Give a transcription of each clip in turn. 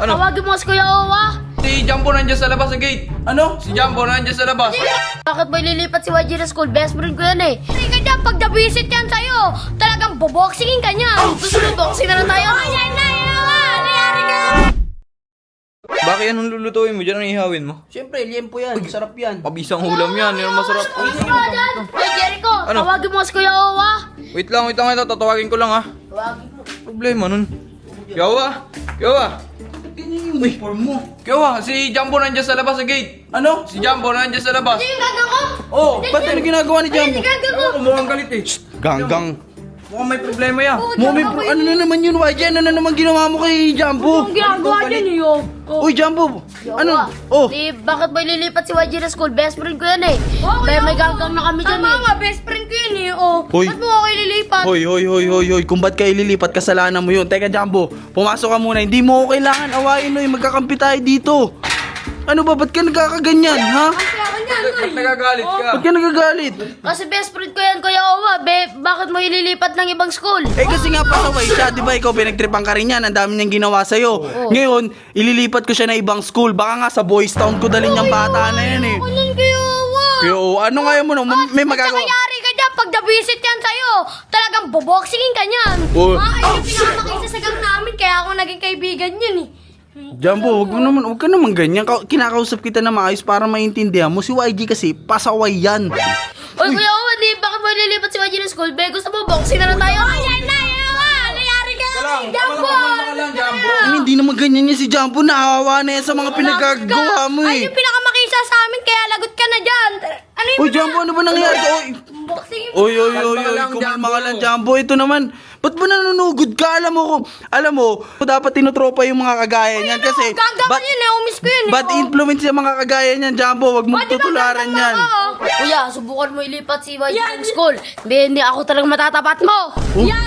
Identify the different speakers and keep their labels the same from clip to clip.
Speaker 1: Ano?
Speaker 2: Tawagin mo si Kuya Owa.
Speaker 1: Si Jumbo nandiyan sa labas sa gate.
Speaker 3: Ano?
Speaker 1: Si Jumbo nandiyan sa labas.
Speaker 2: Bakit mo ililipat si YG na school? Best friend ko yan eh. Ay ka dyan, pag nabisit yan sa'yo, talagang boboxingin ka niya. Gusto mo boxing na lang tayo? Ay, yan na, nangyari ka.
Speaker 1: Bakit anong lulutuin mo dyan? Anong ihawin mo?
Speaker 3: Siyempre, liempo yan. Sarap yan.
Speaker 1: Pabisang ulam yan. Yan ang masarap.
Speaker 2: Ay, Jericho,
Speaker 1: Ano?
Speaker 2: tawagin mo si Kuya Owa.
Speaker 1: Wait lang. Ito. Tatawagin ko lang ha.
Speaker 2: Tawagin mo.
Speaker 1: Problema nun. Yawa! Yawa!
Speaker 3: Ganyan yung uniform mo.
Speaker 1: Yawa! Si Jumbo nandiyan sa labas sa gate.
Speaker 3: Ano?
Speaker 1: Si Jumbo nandiyan sa labas.
Speaker 2: Ano yung gaga ko?
Speaker 3: Oh, ba't ano ginagawa ni
Speaker 2: Ano
Speaker 3: Jumbo?
Speaker 2: yung gaga ko?
Speaker 1: Mukhang galit eh. Ganggang. Mukhang may problema yan.
Speaker 3: Ano na naman yun, YG? Ano na naman ginawa mo kay Jumbo?
Speaker 2: Ang ginagawa niya niyo.
Speaker 3: Uy, Jumbo! Ano? Oh!
Speaker 2: Di, bakit mo ililipat si YG na school? Best friend ko yan eh. Kaya may ganggang na kami dyan eh. Tama nga, best friend ko yan eh. Oh.
Speaker 3: Hoy.
Speaker 2: Ba't mo ako ililipat?
Speaker 3: Hoy, kung ba't kayo lilipat, kasalanan mo yun. Teka, Jumbo, pumasok ka muna. Hindi mo ko kailangan awayin, oy. Magkakampi tayo dito. Ano ba? Ba't ka nagkakaganyan, ha?
Speaker 1: Ba't nagagalit ka?
Speaker 3: Ba't ka nagagalit?
Speaker 2: Kasi best friend ko yan, Kuya Owa. Bakit mo ililipat ng ibang school?
Speaker 3: Eh kasi nga pasaway siya, di ba ikaw pinagtripan ka rin yan, ang dami niyang ginawa sa'yo. Ngayon, ililipat ko siya na ibang school, baka nga sa Boys Town ko dalhin yung bata na yan eh.
Speaker 2: Kunin, Kuya Owa.
Speaker 3: Yo, ano nga yun mo no? May
Speaker 2: At
Speaker 3: magagawa.
Speaker 2: saka yari ka dyan, pag nabisit yan sa'yo, talagang boboxingin ka niyan.
Speaker 3: Oh.
Speaker 2: Ay, yung pinakamakisa sa gang namin, kaya ako naging kaibigan yun eh.
Speaker 3: Jumbo, wag ka naman ganyan. Kinakausap kita na maayos para maintindihan mo. Si YG kasi, pasaway yan.
Speaker 2: Oy, Kuya Owa, di, bakit mo ililipat si YG na school? Be, gusto mo boxing na lang tayo? Ay, yan na, nangyari ka. Jumbo!
Speaker 3: Hindi naman ganyan yan si Jumbo. Naawa na yan sa mga pinagagawa mo
Speaker 2: Ay,
Speaker 3: eh.
Speaker 2: yung pinakamakisa sa amin, kaya lagot ka na dyan. Ano yung
Speaker 3: Uy, Jumbo, ano ba nangyari? Oy,
Speaker 2: boxing?
Speaker 3: Oy,
Speaker 1: Kalma ka lang,
Speaker 3: kumalma ka
Speaker 1: Jumbo.
Speaker 3: lang, Jumbo. Ito naman, ba't ba nanunugod ka? Alam mo, dapat tinutropa yung mga kagaya niyan kasi
Speaker 2: Gagawa yun eh, umis ko yun eh.
Speaker 3: bad influence yung mga kagaya niyan, Jumbo. Wag mong tutularan yan.
Speaker 2: Kuya, subukan mo ilipat si YG ng school. Hindi ako talagang matatapat mo. Yan,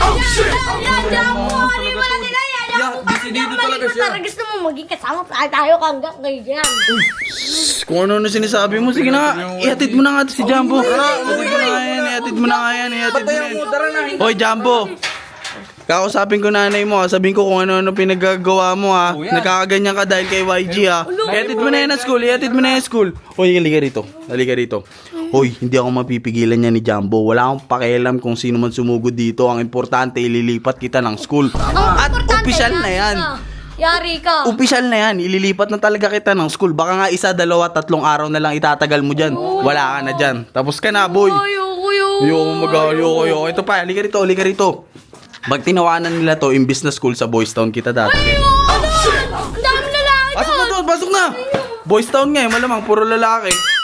Speaker 2: Jumbo. Ano yung wala nila yan?
Speaker 1: Desidido talaga siya.
Speaker 2: Tara, gusto mo maging kasama tayo hanggang ngayon.
Speaker 3: Kung ano sinasabi mo, sige na nga. Ihatid mo na nga si Jumbo. Ihatid mo na nga yan.
Speaker 1: Tara na.
Speaker 3: Hoy, Jumbo. Kakausapin ko nanay mo ha. Sabihin ko kung ano-ano pinagagawa mo ha. Nagkakaganyan ka dahil kay YG ha. Ihatid mo na yan ang school. Hoy, halika rito. Hoy, hindi ako mapipigilan niya ni Jumbo. Wala akong pakialam kung sino man sumugod dito. Ang importante, ililipat kita ng school. At opisyal na yan.
Speaker 2: Yari ka.
Speaker 3: Opisyal na yan. Ililipat na talaga kita ng school. Baka nga 1, 2, 3 araw na lang itatagal mo dyan. Wala ka na dyan. Tapos ka na, boy. Ayoko. Ito pa, halika rito. Pag tinawanan nila to, imbis na school sa Boys Town kita dati.
Speaker 2: Ang dami lalaki
Speaker 3: Pasok na! Boys Town nga eh, malamang puro lalaki.